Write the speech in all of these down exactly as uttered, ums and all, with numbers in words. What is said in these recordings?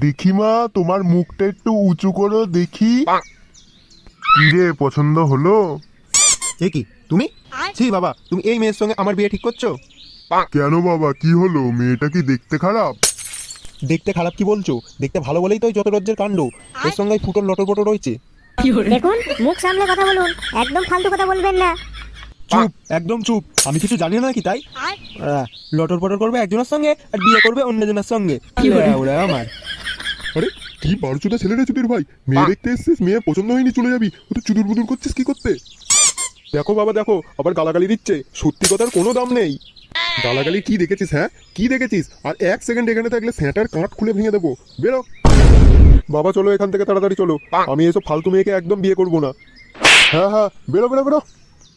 দেখি মা, তোমার মুখটা একটু উঁচু করো দেখি। কি রে, পছন্দ হলো? এ কি তুমি? ছি বাবা, তুমি এই মেয়ের সঙ্গে আমার বিয়ে ঠিক করছো? কেন বাবা, কি হলো? মেয়েটা কি দেখতে খারাপ? দেখতে খারাপ কি বলছো? দেখতে ভালো বলেই তো এই যত রাজ্যের কাণ্ড। এর সঙ্গে ফুটোর লটর পটর রয়েছে। দেখুন, মুখ সামলে কথা বলুন, একদম ফালতু কথা বলবেন না। চুপ, একদম চুপ। আমি কিছু জানি না নাকি তাই? আহ, লটর পটর করবে একজনের সঙ্গে আর বিয়ে করবে অন্যজনের সঙ্গে। ওরা আমার আরে কি বারোচোদা ছেলে রে চুদির ভাই! মেয়ে দেখতে এসছিস, মেয়ে পছন্দ হয়নি চলে যাবি, ও তো চুদুর বুদুর করছিস কি করতে? দেখো বাবা দেখো, আবার গালাগালি দিচ্ছে। সত্যি কথার কোনো দাম নেই। গালাগালি কি দেখেছিস? হ্যাঁ, কি দেখেছিস? আর এক সেকেন্ড এখানে থাকলে স্যাঁটার কাঁট খুলে ভেঙে দেবো। বেরো বাবা চলো এখান থেকে তাড়াতাড়ি চলো। আমি এসব ফালতু মেয়েকে একদম বিয়ে করবো না। হ্যাঁ হ্যাঁ, বেরো বেরো বেরো।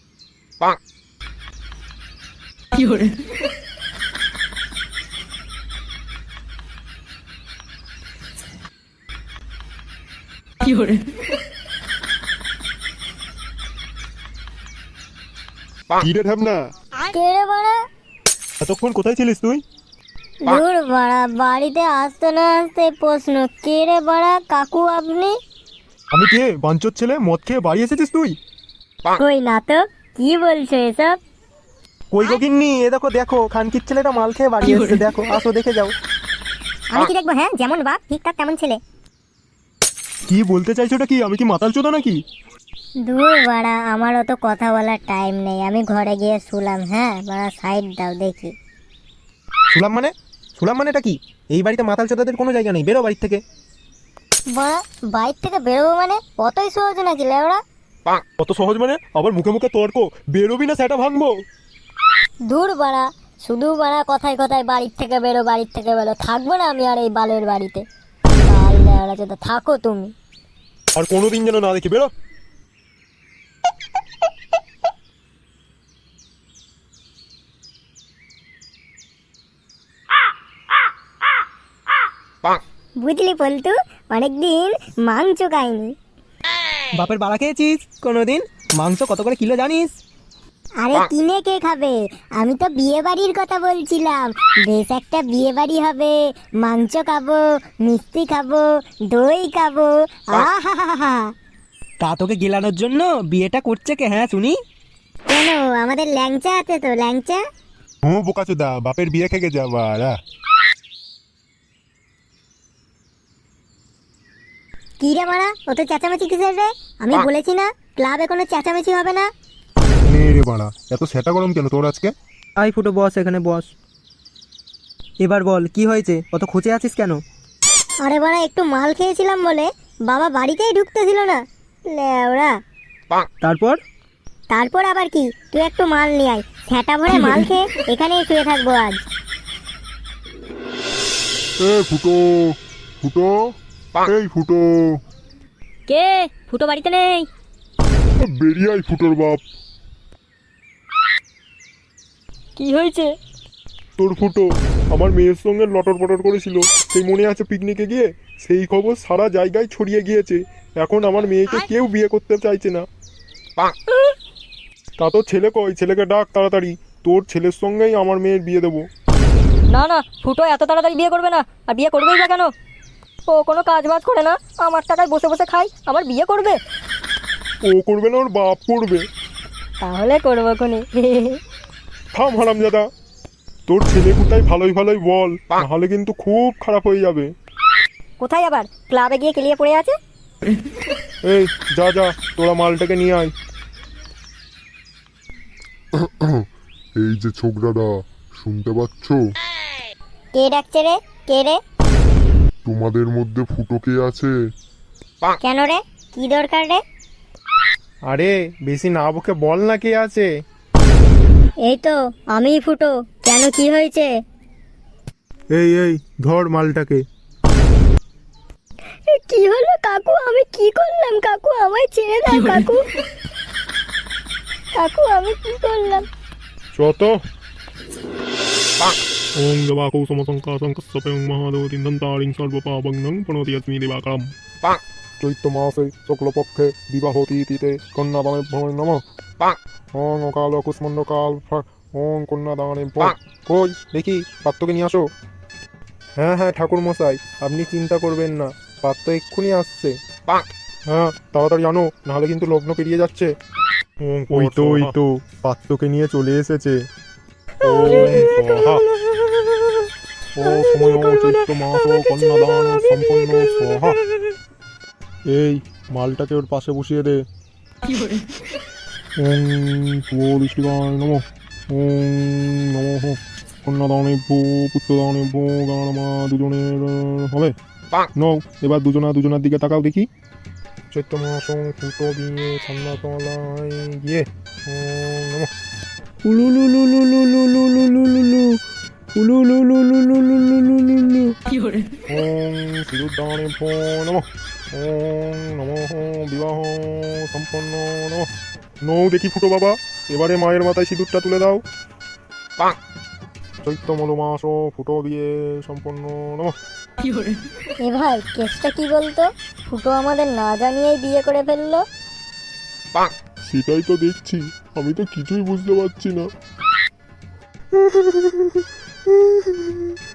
কি রে ঢ্যাবনা? কে রে বাড়া? এতক্ষণ কোথায় ছিলিস তুই? দূর বাড়া, বাড়িতে আসতে না আসতে প্রশ্ন। কে রে বাড়া? কাকু আপনি? আমি কে? বাঞ্চোর ছেলে, মদ খেয়ে বাড়ি এসেছিস তুই? কই না তো, কি বলছো এসব? কই গো গিন্নি, এ দেখো দেখো, খানকির ছেলেটা মাল খেয়ে বাড়ি এসেছে। দেখো, আসো দেখে যাও। আমি কি দেখবো? হ্যাঁ, যেমন বাপ ঠিকঠাক তেমন ছেলে। কি বলতে চাইছো ওটা কি? আমি কি মাতাল চোদা নাকি? দূর বাড়া, আমার অত কথা বলার টাইম নেই, আমি ঘরে গিয়ে শুলাম। হ্যাঁ বাড়া, সাইড দাও দেখি। শুলাম মানে? শুলাম মানে এটা কি? এই বাড়িতে মাতাল চোদাদের কোনো জায়গা নেই, বেরো বাড়ির থেকে। বাড়া, বাইর থেকে বেরোবো মানে অতই সহজ নাকি লেওড়া? কত সহজ মানে? আবার মুখে মুখে তর্ক! বেরোবি না সেটা ভাঙবো। দূর বাড়া, শুধু বাড়া কথায় কথায় বাড়ির থেকে বেরো, বাড়ির থেকে বেরো। থাকবো না আমি আর এই বালের বাড়িতে। বাল লেওড়া চোদা, থাকো তুমি। আর কোনোদিন যেন না দেখি, বেরো। বুঝলি পল্টু, অনেকদিন মাংস খাইনি। বাপের বাড়া খেয়েছিস কোনোদিন? মাংস কত করে কিলো জানিস? আরে কিনে কে খাবে? আমি তো বিয়ে বাড়ির কথা বলছিলাম। বেশ একটা বিয়ে বাড়ি হবে, মাংস খাবো, মিষ্টি খাবো, দই খাবো। আহা! তা তোকে গেলানোর জন্য বিয়েটা করছে কে? হ্যাঁ শুনি। কেন, আমাদের ল্যাংচা আছে তো, ল্যাংচা। হুঁ বোকাচোদা, বাপের বিয়ে খেগে যাবা। কি রে মারা, ও তো চেঁচামেচি কিসের রে? আমি বলেছি না ক্লাবে কোনো চেঁচামেচি হবে না। নে রে বাড়া, এত সেটা গরম কেন তোর আজকে? আই ফুটো বস, এখানে বস। এবার বল কি হয়েছে? অত খুঁজে আছিস কেন? আরে বাড়া, একটু মাল খেয়েছিলাম বলে বাবা বাড়িতেই ঢুকতে দিল না লেওড়া। তারপর? তারপর আবার কি, তুই একটু মাল নিয়ে আয়, ছ্যাটা ভরে মাল খেয়ে এখানেই শুয়ে থাকবো আজ। এ ফুটো, ফুটো, এই ফুটো, কে? ফুটো বাড়িতে নেই। বেরিয়ে আয় ফুটোর বাপ। কি হয়েছে? তোর ফুটো আমার মেয়ের সঙ্গে লটর পটর করেছিল, সেই মনে আছে পিকনিকে গিয়ে? সেই খবর সারা জায়গায় ছড়িয়ে গিয়েছে। এখন আমার মেয়েকে কেউ বিয়ে করতে চাইছে না। তা তোর ছেলে কই? ছেলেকে ডাক তাড়াতাড়ি, তোর ছেলের সঙ্গেই আমার মেয়ের বিয়ে দেবো। না না, ফুটো এত তাড়াতাড়ি বিয়ে করবে না। আর বিয়ে করবেই বা কেন? ও কোনো কাজ বাজ করে না, আমার টাকায় বসে বসে খাই, আমার বিয়ে করবে? ও করবে না, ওর বাপ করবে। তাহলে করবো কোনি। থাম হারামজাদা, তোর ছেলে কোথায় ভালোই ভালোই বল, নাহলে কিন্তু খুব খারাপ হয়ে যাবে। কোথায় আবার? ক্লাবে গিয়ে কেলিয়ে পড়ে আছে। এই যা যা, তোরা মালটাকে নিয়ে আয়। এই যে ছোকরাদা, শুনতে পাচ্ছ? কে ডাকছে রে? কে রে? তোমাদের মধ্যে ফুটো কে আছে? কেন রে, কি দরকার রে? আরে বেশি না বকে বল না কে আছে। এই তো আমি ফুটো। কেন, কি হয়েছে? এই এই ধর মালটাকে। কি হলো কাকু? আমি কি করলাম কাকু? আমায় ছেড়ে দাও কাকু। কাকু আমি কি করলাম? চত ওং দেবাকৌ সমসংকা সংকস্যপয়ং মহাদেবতিং দন্তারিং সর্বপাবং প্রণতি अस्मि দিবাকরম। চৈত্র মাসে শুক্লপক্ষে বিবাহতি তিথে কন্যাদানে ভয় নমঃ। ওং অকাল কুষ্মণ্ড কাল ওং কন্যাদানে ভয়। কই দেখি পাত্রকে নিয়ে আসো। হ্যাঁ হ্যাঁ ঠাকুর মশাই, আপনি চিন্তা করবেন না, পাত্র এক্ষুনি আসছে। হ্যাঁ তাড়াতাড়ি আনো, নাহলে কিন্তু লগ্ন পেরিয়ে যাচ্ছে। ওই তো ওই তো পাত্রকে নিয়ে চলে এসেছে। ও সময় চৈত্র মাস কন্যাদান সম্পন্ন স্বাহা। এই মালটাকে ওর পাশে বসিয়ে দে। ওম পুষ্টিকায় নমঃ। ওম নমঃ কন্যাদানে ভূ পুত্রদানে ভূ গানমা দুজনের হবে। নও, এবার দুজনা দুজনার দিকে তাকাও দেখি। চৈত্র মাস ফুটো দিয়ে ঠান্ডা তলায় গিয়ে ওম নমঃ। উলুলুলুলুলুলুলুলুলুলু উলুলুলুলুলুলুলুলুলু। ওম শ্রীরুদ্রাণে ভো নমঃ। ওম নমঃ বিবাহ সম্পন্ন নমঃ। নৌ দেখি ফুটো বাবা, এবারে মায়ের মাথায় সিঁদুরটা তুলে দাও। চৈত্র মলমাস ফুটো দিয়ে সম্পন্ন নমঃ। এ ভাই কেসটা কি বলতো? ফুটো আমাদের না জানিয়েই বিয়ে করে ফেললো। সেটাই তো দেখছি, আমি তো কিছুই বুঝতে পারছি না।